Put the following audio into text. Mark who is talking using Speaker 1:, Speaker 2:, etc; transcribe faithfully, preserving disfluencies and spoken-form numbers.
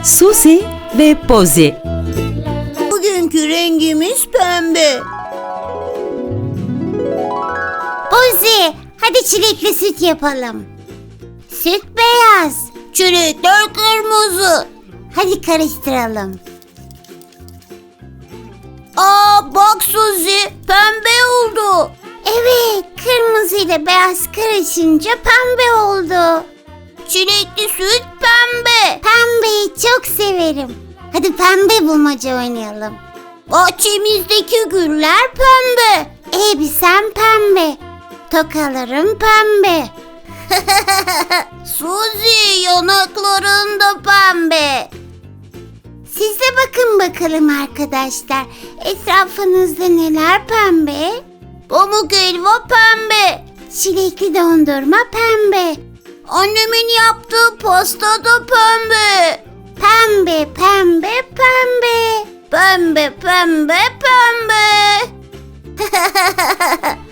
Speaker 1: Suzi ve Pozi.
Speaker 2: Bugünkü rengimiz pembe.
Speaker 3: Pozi, hadi çilekli süt yapalım. Süt beyaz,
Speaker 2: Çilekler kırmızı.
Speaker 3: hadi karıştıralım.
Speaker 2: Aa bak Suzi, pembe oldu.
Speaker 3: Evet, kırmızı ile beyaz karışınca pembe oldu.
Speaker 2: Çilekli süt pembe.
Speaker 3: Pembeyi çok severim. Hadi pembe bulmaca oynayalım.
Speaker 2: Bahçemizdeki güller pembe.
Speaker 3: Elbisem pembe, tokalarım pembe.
Speaker 2: Suzi, yanakların da pembe.
Speaker 3: Siz de bakın bakalım arkadaşlar. Etrafınızda neler pembe?
Speaker 2: Pamuk helva pembe.
Speaker 3: Çilekli dondurma pembe.
Speaker 2: Annemin yaptığı pasta da pembe.
Speaker 3: Pembe, pembe, pembe.
Speaker 2: Pembe, pembe, pembe.